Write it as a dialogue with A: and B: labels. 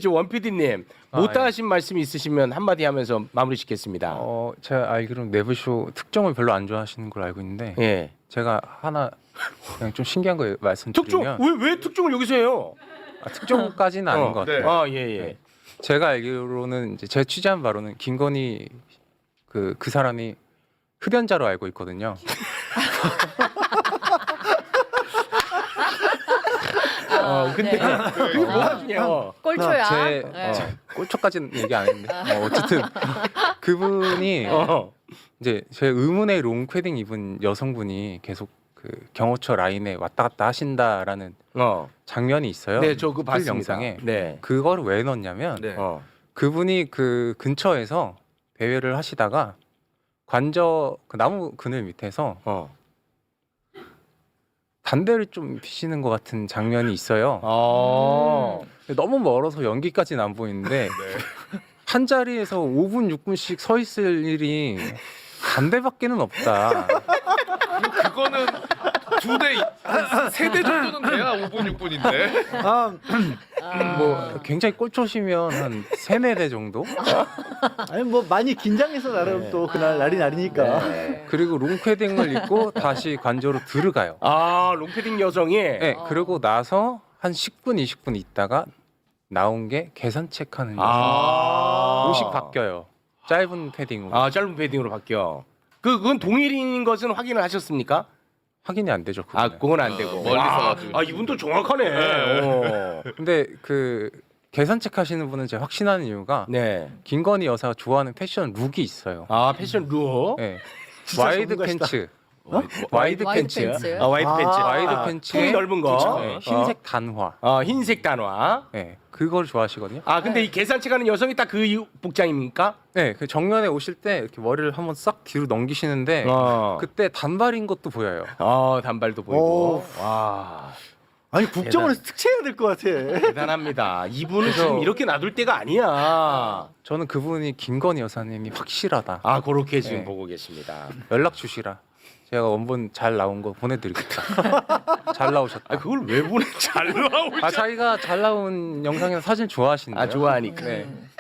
A: 이제 원 PD님 못다 하신 말씀 있으시면 한마디 하면서 마무리 짓겠습니다.
B: 제가 알기로는 내부쇼 특종을 별로 안 좋아하시는 걸로 알고 있는데
A: 예.
B: 제가 하나 그냥 좀 신기한 거
A: 특종
B: 말씀드리면
A: 왜 특종을 여기서 해요?
B: 특종까지는 아닌 것 같아요.
A: 아 예예.
B: 네. 제가 알기로는 이제 제가 취재한 바로는 김건희 그 사람이 흡연자로 알고 있거든요.
A: 근데
C: 네.
A: 그게 뭐가 중요해요?
C: 꼴초야.
B: 꼴초까지는 얘기 안 했는데 어쨌든 그분이
A: 어.
B: 이제 제 의문의 롱패딩 입은 여성분이 계속 그 경호처 라인에 왔다 갔다 하신다라는 장면이 있어요.
A: 네, 저 그거
B: 풀
A: 봤습니다.
B: 영상에
A: 네.
B: 그거를 왜 넣었냐면
D: 네.
B: 그분이 그 근처에서 대회를 하시다가 관저 그 나무 그늘 밑에서 담배를 좀 피시는 것 같은 장면이 있어요. 너무 멀어서 연기까지는 안 보이는데 한 자리에서 5분 6분씩 서 있을 일이 담배밖에는 없다.
D: 그거는 세대 정도는 돼야 5분 6분인데.
B: 뭐 굉장히 꼴초시면 한 3-4대 정도?
E: 아니 뭐 많이 긴장해서 나름 또 그날 날이 날이니까.
B: 그리고 롱패딩을 입고 다시 관저로 들어가요.
A: 롱패딩 여성이
B: 네, 그러고 나서 한 10분 20분 있다가 나온 게 계산 체크하는 여성. 옷이 바뀌어요. 짧은 패딩으로.
A: 짧은 패딩으로 바뀌어. 그건 동일인 것은 확인을 하셨습니까?
B: 확인이 안 되죠. 그거는.
A: 그건 안 되고.
D: 멀리서 가지고.
A: 이분도 정확하네.
B: 근데 그 계산 체크하시는 분은 제가 확신하는 이유가
A: 네.
B: 김건희 여사가 좋아하는 패션 룩이 있어요.
A: 패션 룩.
B: 네.
A: 진짜
B: 와이드
A: 전문가시다.
B: 팬츠.
A: 와이드
C: 팬츠.
A: 팬츠. 와이드 팬츠.
B: 와이드 팬츠에
A: 통이 넓은 거.
B: 네, 흰색 단화.
A: 흰색 단화.
B: 네, 그걸 좋아하시거든요.
A: 근데 이 계산치 가는 여성이 딱 그 복장입니까?
B: 네, 그 정면에 오실 때 이렇게 머리를 한번 싹 뒤로 넘기시는데 그때 단발인 것도 보여요.
A: 단발도 보이고. 와.
E: 아니 국정원에서 특채해야 될 것 같아.
A: 대단합니다. 이분은
B: 그래서-
A: 지금 이렇게 놔둘 때가 아니야.
B: 저는 그분이 김건희 여사님이 확실하다.
A: 그렇게 지금
B: 네.
A: 보고 계십니다.
B: 연락 주시라. 제가 원본 잘 나온 거 보내드리겠다. 잘 나오셨다.
A: 그걸 왜 보내? 잘 나오고.
B: 자기가 잘 나온 영상이나 사진 좋아하신대요.
A: 좋아하니까.
B: 네.